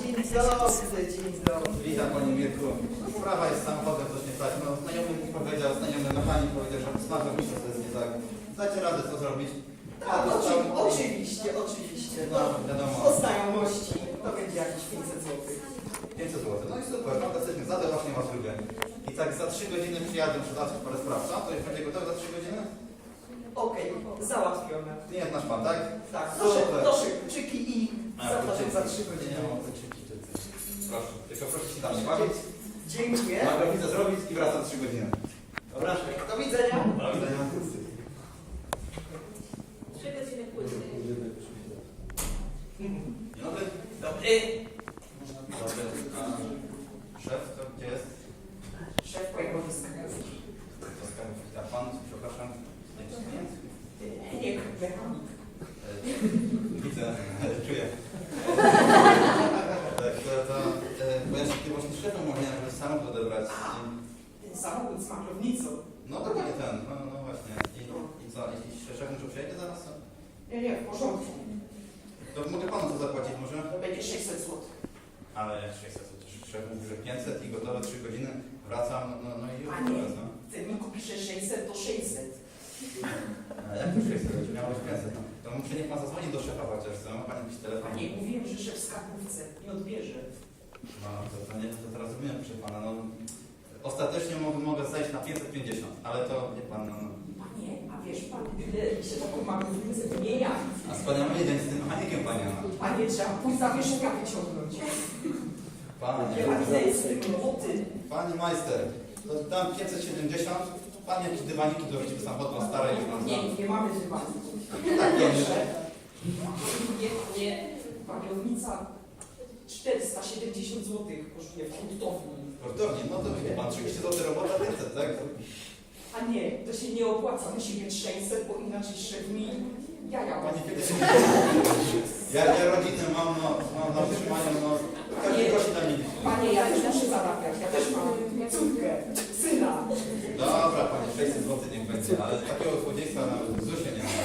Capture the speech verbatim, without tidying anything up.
Dzień dobry, dzień dobry. Witam Panie Mirku. Sprawa jest z samochodem, coś nie tak. No, znajomy mi powiedział, znajomy mechanik powiedział, że smażą mi to jest nie tak. Dacie radę co zrobić? Tak, oczy, oczywiście, oczywiście. No, wiadomo. O znajomości to będzie jakieś pięćset złotych. pięćset złotych. No i super, fantastycznie. Za to właśnie Was lubię. I tak za trzy godziny przyjadę przydać parę spraw. Co? To już będzie gotowe za trzy godziny? Okej, załatwione. Nie jest nasz Pan, tak? Tak, proszę, Super. proszę, czyki i A, zapraszam kluczyki. za trzy godziny. Nie mam kluczyki, czy coś. Proszę, tylko proszę się tam nie bawić. Dziękuję. Mogę widzę zrobić i wracam za trzy godziny. Dobra? Do widzenia. Do widzenia. Trzy godziny później. Dzień dobry. Dobry. Dobry. A szef, to gdzie jest? Szef pojechał do skarbów. To skarbów. A pan, przepraszam, jakiś klient? Nie, mechanik. E, Widzę, czuję. Tak, to, to e, bo ja się tutaj właśnie szefem mówiłem, żeby samochód odebrać. Ten samochód z makrownicą. No to nie ten, no, no właśnie. I, i co, jeśli szef muszę przyjechać zaraz? To, Nie, nie, w porządku. to mogę panu to zapłacić może? To będzie sześćset złotych. Ale jak sześćset, to szef mówi, że pięćset i gotowe trzy godziny, wracam, no, no i już Panie, teraz, no. cenniku pisze sześćset, to sześćset. A jak to sześćset? Miało być pięćset, no. To muszę niech pan zadzwoni do szefa chociaż, co? Ma pan jakiś telefon? Panie, mówiłem, że szef w skarbówce nie odbierze. No, to, to nie, to teraz rozumiem, proszę pana, no. Ostatecznie mogę, mogę zejść na pięćset pięćdziesiąt, ale to, nie pan, no. Panie, a wiesz pan, ile się taką makrownicę wymienia? A wspaniały jeden z tym mechanikiem, panie, no. Panie, trzeba pójść zawieszenia wyciągnąć. Panie, Ile jest z tym roboty? panie majster, to dam pięćset siedemdziesiąt, pan jakieś dywaniki dorzuci, bo samochód ma stare już pan Nie, zna. nie mamy dywanu. Tak, Proszę. Nie, nie. Makrownica czterysta siedemdziesiąt złotych kosztuje w hurtowni. Sportownie, no to wie pan, trzydzieści złotych robota, pięćset, tak? A nie, to się nie opłaca. Musi mieć sześćset, bo inaczej szef mi jaja Panie, łapie. kiedy się ja, ja rodzinę mam, no, mam na utrzymaniu, no, każdy prosi na mnie. Panie, ja też muszę zarabiać. Ja też mam córkę, syna. Dobra, panie, sześćset złotych niech będzie, ale takiego złodziejstwa nawet w zusie nie ma.